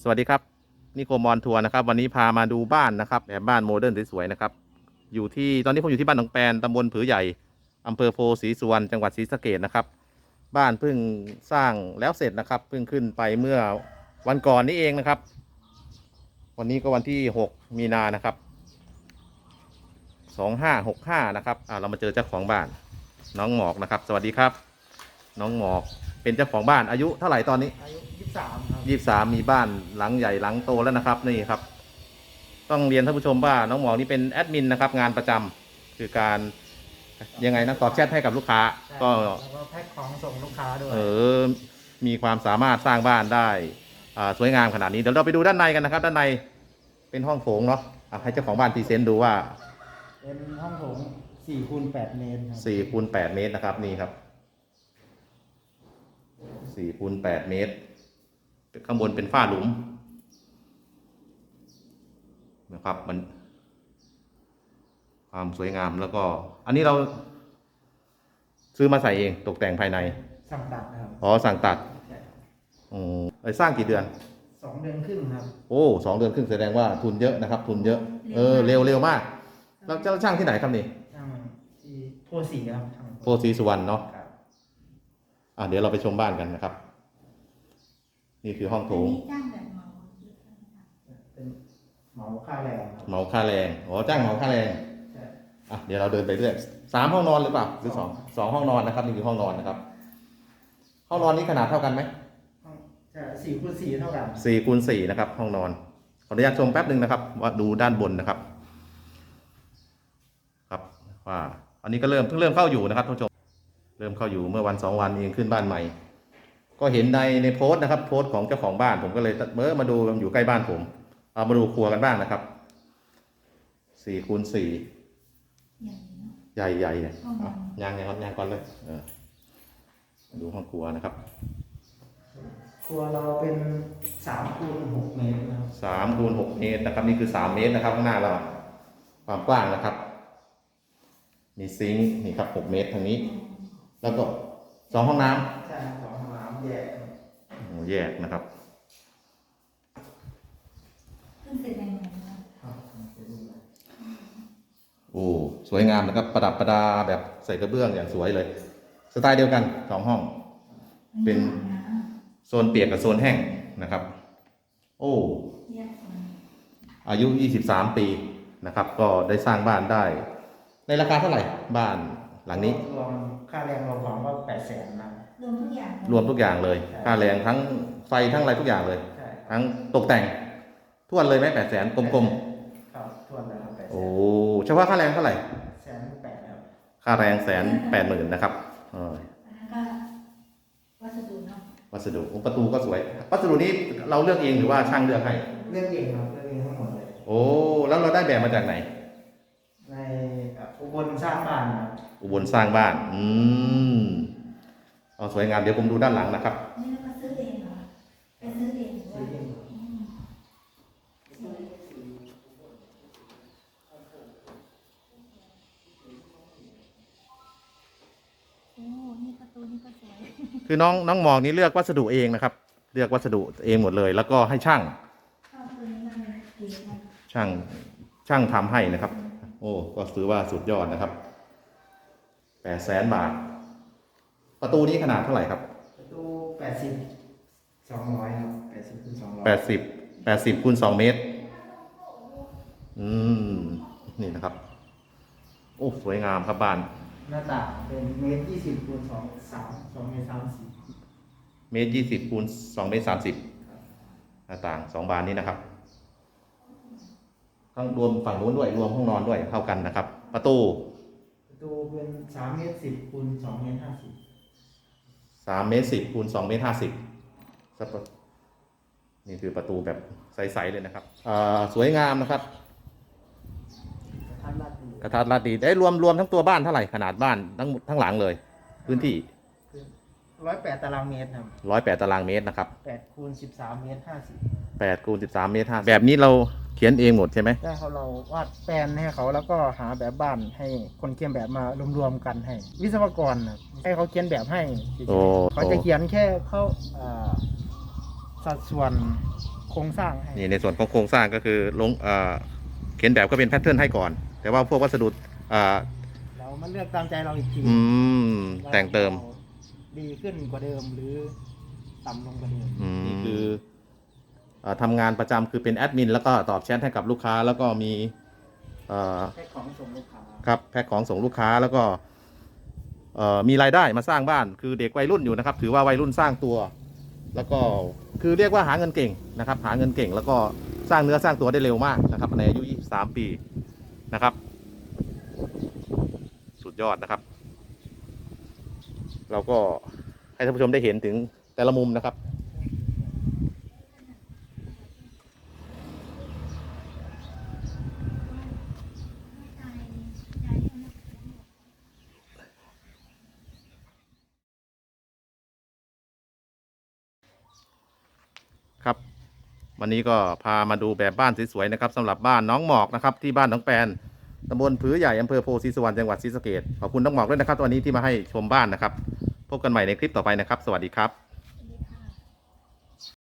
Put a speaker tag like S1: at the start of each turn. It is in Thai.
S1: สวัสดีครับนิโคมอนทัวร์นะครับวันนี้พามาดูบ้านนะครับแบบบ้านโมเดิร์นสวยๆนะครับอยู่ที่ตอนนี้ผมอยู่ที่บ้านหนองแปนตำบลผือใหญ่อำเภอโพธิ์ศรีสุวรรณจังหวัดศรีสะเกษนะครับบ้านเพิ่งสร้างแล้วเสร็จนะครับเพิ่งขึ้นไปเมื่อวันก่อนนี้เองนะครับวันนี้ก็วันที่6มีนานะครับ2565นะครับเรามาเจอเจ้าของบ้านน้องหมอกนะครับสวัสดีครับน้องหมอกเป็นเจ้าของบ้านอายุเท่าไหร่ตอนนี้
S2: อายุ23ครับ
S1: 23มีบ้านหลังใหญ่หลังโตแล้วนะครับนี่ครับต้องเรียนท่านผู้ชมว่าน้องหมอนี่เป็นแอดมินนะครับงานประจำคือการยังไงนะตอบแชทให้กับลูกค้าก็
S2: แล้วก็แพ็คของส่งลูกค้าด้วย
S1: มีความสามารถสร้างบ้านได้สวยงามขนาดนี้เดี๋ยวเราไปดูด้านในกันนะครับด้านในเป็นห้องโถงเนาะให้เจ้าของบ้านพรีเซนต์ดูว่า
S2: เป็นห้องโถง4 คูณ 8 เมตรครับ
S1: 4 คูณ 8 เมตรนะครับนี่ครับ4 คูณ 8 เมตรข้างบนเป็นฝ้าหลุมนะครับมันความสวยงามแล้วก็อันนี้เราซื้อมาใส่เองตกแต่งภายใน
S2: สั่งตัดครับ
S1: สั่งตัดสร้างกี่เดือน
S2: 2 เดือนครึ่งครับ
S1: โอ้2 เดือนครึ่งแสดงว่าทุนเยอะนะครับทุนเยอะเร็วมากแล้วเจ้าช่างที่ไหนครับนี่
S2: ช่างที่โพธิ์ศรีครับ
S1: โพธิ์ศรีสุวรรณเนาะเดี๋ยวเราไปชมบ้านกันนะครับนี่คือห้องโถง
S2: เป็นเหมาค่าแรง
S1: เหมาค่าแรงจ้างเหมาค่าแรงเดี๋ยวเราเดินไปเรื่อย3 ห้องนอนหรือเปล่าหรือ2 ห้องนอนนะครับนี่คือห้องนอนนะครับห้องนอนนี้ขนาดเท่ากันไหม
S2: 4 คูณ 4เท่ากัน
S1: 4 คูณ 4นะครับห้องนอนขออนุญาตชมแป๊บหนึ่งนะครับว่าดูด้านบนนะครับครับว่าอันนี้ก็เพิ่งเริ่มเข้าอยู่นะครับท่านผู้ชมเริ่มเข้าอยู่เมื่อวัน2 วันเองขึ้นบ้านใหม่ก็เห็นในโพสต์นะครับโพสต์ของเจ้าของบ้านผมก็เลยมาดูมันอยู่ใกล้บ้านผมมาดูครัวกันบ้างนะครับ4 คูณ 4ใหญ่เนี่ยยางก่อนเลยดูห้องครัวนะครับ
S2: ครัวเราเป็น3 คูณ 6 เมตรนะครับ
S1: 3 คูณ 6 เมตรนะครับนี่คือ3 เมตรนะครับข้างหน้าเราความกว้างนะครับมีซิงค์นี่ครับ6 เมตรทางนี้แล้วก็2 ห้องน้
S2: ำใช่2 ห้องน้ำแ
S1: ยกนะครับสวยงามนะครับประดับประดาแบบใส่กระเบื้องอย่างสวยเลยสไตล์เดียวกัน2 ห้องเป็นโซนเปียกกับโซนแห้งนะครับอายุ23 ปีนะครับก็ได้สร้างบ้านได้ในราคาเท่าไหร่บ้านหลังนี้
S2: รวมค่าแรงรวมก็800,000นะ
S1: รวมทุกอย่างเลยค่าแรงทั้งไฟทั้งอะไรทุกอย่างเลยทั้งตกแต่งทวนเลยไหม800,000กลม
S2: ๆครับทวนเลยครับ
S1: 800,000เฉพาะค่าแรงเท่าไหร่
S2: 180,000ครับ
S1: ค่าแรง180,000นะครับวัสดุประตูก็สวยวัสดุนี้เราเลือกเองหรือว่าช่างเลือกให้
S2: เลือกเองครับเลือกเองทั้งหมดเลย
S1: แล้วเราได้แบบมาจากไหน
S2: ในอุบลสร้างบ้านครับ
S1: อุบลสร้างบ้านสวยงามเดี๋ยวผมดูด้านหลังนะครับ
S3: นี่เราซื้อเองเหรอไปซื้อเองนี่ประตูนี่ก็สวย
S1: คือน้องหมอกนี่เลือกวัสดุเองนะครับเลือกวัสดุเองหมดเลยแล้วก็ให้ช่างทำให้นะครับก็ถือว่าสุดยอดนะครับ800,000 บาทประตูนี้ขนาดเท่าไหร่ครับ
S2: ประตู80 200ครับ80 คูณ 200
S1: 80 คูณ 2 เมตรนี่นะครับสวยงามครับบ้าน
S2: หน้าต่างเป็น1.20 คูณ 2 เมตร 30
S1: 1.20 คูณ 2 เมตร 30หน้าต่าง2 บานนี้นะครับทั้งรวมฝั่งนู้นด้วยรวมห้องนอนด้วยเท่ากันนะครับประตู
S2: เป็น3.10 คูณ 2 เมตร 50
S1: 3.10 คูณ 2 เมตร 50นี่คือประตูแบบใสๆเลยนะครับสวยงามนะครับกระทัดรัดดีได้รวมทั้งตัวบ้านเท่าไหร่ขนาดบ้านทั้งหลังเลยพื้นที่
S2: 108 ตารางเมตรครับ
S1: 108 ตารางเมตรนะครับ
S2: 8 คูณ 13 เมตร
S1: 8 คูณ 13 เมตร 50แบบนี้เราเขียนเองหมดใช่ไหม
S2: ใช่เราวาดแปลนให้เขาแล้วก็หาแบบบ้านให้คนเขียนแบบมารวมๆกันให้วิศวกรให้เขาเขียนแบบให้เขาจะเขียนแค่เขาสัดส่วนโครงสร้างให้
S1: นี่ในส่วนของโครงสร้างก็คือลงเขียนแบบก็เป็นแพทเทิร์นให้ก่อน แต่ว่าพวกวัสดุอ่า
S2: เรามาเลือกตามใจเราอีกที
S1: อืม
S2: ว่า
S1: แต่งเติม
S2: ราดีขึ้นกว่าเดิมหรือต่ำลงกว่าเดิม
S1: นี่คือทำงานประจำคือเป็นแอดมินแล้วก็ตอบแชทให้กับลูกค้าแล้วก็มีอ่า
S2: แพ็คของส่งลูกค้า
S1: ครับแพ็คของส่งลูกค้าแล้วก็มีรายได้มาสร้างบ้านคือเด็กวัยรุ่นอยู่นะครับ ถือว่าวัยรุ่นสร้างตัว แล้วก็คือเรียกว่าหาเงินเก่งนะครับ หาเงินเก่งแล้วก็สร้างเนื้อสร้างตัวได้เร็วมากนะครับในอายุ23 ปีนะครับ สุดยอดนะครับ เราก็ให้ท่านผู้ชมได้เห็นถึงแต่ละมุมนะครับ ครับวันนี้ก็พามาดูแบบบ้านสวยๆนะครับสำหรับบ้านน้องหมอกนะครับที่บ้านน้องแปนตำบลผือใหญ่อำเภอโพธิสุวรรณจังหวัดศรีสะเกษขอบคุณน้องหมอกด้วยนะครับวันนี้ที่มาให้ชมบ้านนะครับพบกันใหม่ในคลิปต่อไปนะครับสวัสดีครับ